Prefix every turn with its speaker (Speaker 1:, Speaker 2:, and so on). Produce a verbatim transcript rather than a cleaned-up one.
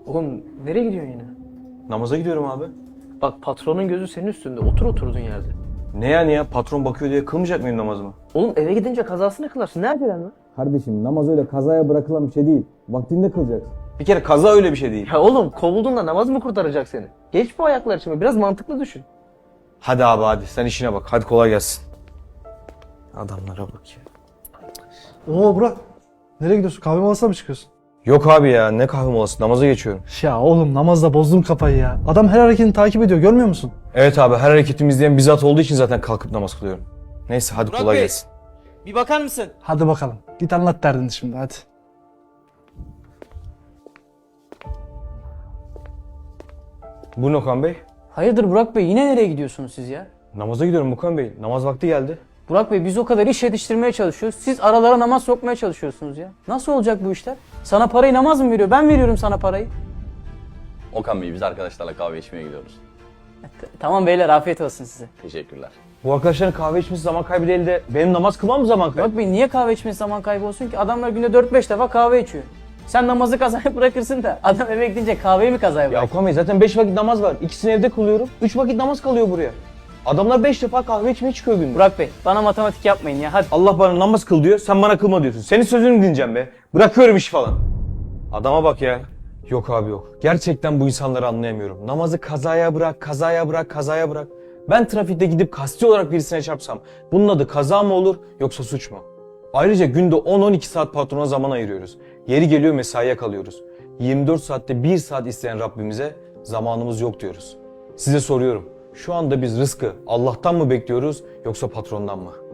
Speaker 1: Oğlum nereye gidiyorsun yine?
Speaker 2: Namaza gidiyorum abi.
Speaker 1: Bak patronun gözü senin üstünde. Otur oturduğun yerde.
Speaker 2: Ne yani ya? Patron bakıyor diye kılmayacak mıyım namazımı?
Speaker 1: Oğlum eve gidince kazasını kılarsın. Ne acelen var?
Speaker 3: Kardeşim namaz öyle kazaya bırakılan bir şey değil. Vaktinde kılacaksın.
Speaker 2: Bir kere kaza öyle bir şey değil.
Speaker 1: Ya oğlum kovuldun da namaz mı kurtaracak seni? Geç bu ayaklar için. Biraz mantıklı düşün.
Speaker 2: Hadi abi hadi sen işine bak. Hadi kolay gelsin. Adamlara bak ya.
Speaker 4: Oo Burak. Nereye gidiyorsun? Kahve molasına mı çıkıyorsun?
Speaker 2: Yok abi ya ne kahve molası namaza geçiyorum.
Speaker 4: Ya oğlum namazda bozdum kafayı ya. Adam her hareketini takip ediyor görmüyor musun?
Speaker 2: Evet abi her hareketimi izleyen bizzat olduğu için zaten kalkıp namaz kılıyorum. Neyse hadi
Speaker 5: Burak
Speaker 2: kolay
Speaker 5: Bey.
Speaker 2: gelsin.
Speaker 5: Bir bakar mısın?
Speaker 4: Hadi bakalım. Git anlat derdini şimdi hadi.
Speaker 2: Buyurun Okan Bey.
Speaker 6: Hayırdır Burak Bey, yine nereye gidiyorsunuz siz ya?
Speaker 2: Namaza gidiyorum Okan Bey. Namaz vakti geldi.
Speaker 6: Burak Bey, biz o kadar iş yetiştirmeye çalışıyoruz. Siz aralara namaz sokmaya çalışıyorsunuz ya. Nasıl olacak bu işler? Sana parayı namaz mı veriyor? Ben veriyorum sana parayı.
Speaker 7: Okan Bey biz arkadaşlarla kahve içmeye gidiyoruz.
Speaker 6: T- Tamam beyler, afiyet olsun size.
Speaker 7: Teşekkürler.
Speaker 2: Bu arkadaşların kahve içmesi zaman kaybı değil de benim namaz kılmam mı zaman kaybı?
Speaker 6: Burak Bey, niye kahve içmesi zaman kaybı olsun ki? Adamlar günde dört beş defa kahve içiyor. Sen namazı kazaya bırakırsın da adam eve gidince kahveyi mi kazaya
Speaker 2: Ya
Speaker 6: bırakır?
Speaker 2: Okan Bey zaten beş vakit namaz var. İkisini evde kılıyorum. üç vakit namaz kalıyor buraya. Adamlar beş defa kahve içmeye çıkıyor günde.
Speaker 6: Burak Bey, bana matematik yapmayın ya, hadi.
Speaker 2: Allah bana namaz kıl diyor, sen bana kılma diyorsun. Senin sözünü dinleyeceğim be. Bırakıyorum iş falan. Adama bak ya. Yok abi yok. Gerçekten bu insanları anlayamıyorum. Namazı kazaya bırak, kazaya bırak, kazaya bırak. Ben trafikte gidip kasti olarak birisine çarpsam bunun adı kaza mı olur yoksa suç mu? Ayrıca günde on on iki saat patrona zaman ayırıyoruz. Yeri geliyor mesaiye kalıyoruz. yirmi dört saatte bir saat isteyen Rabbimize zamanımız yok diyoruz. Size soruyorum. Şu anda biz rızkı Allah'tan mı bekliyoruz yoksa patrondan mı?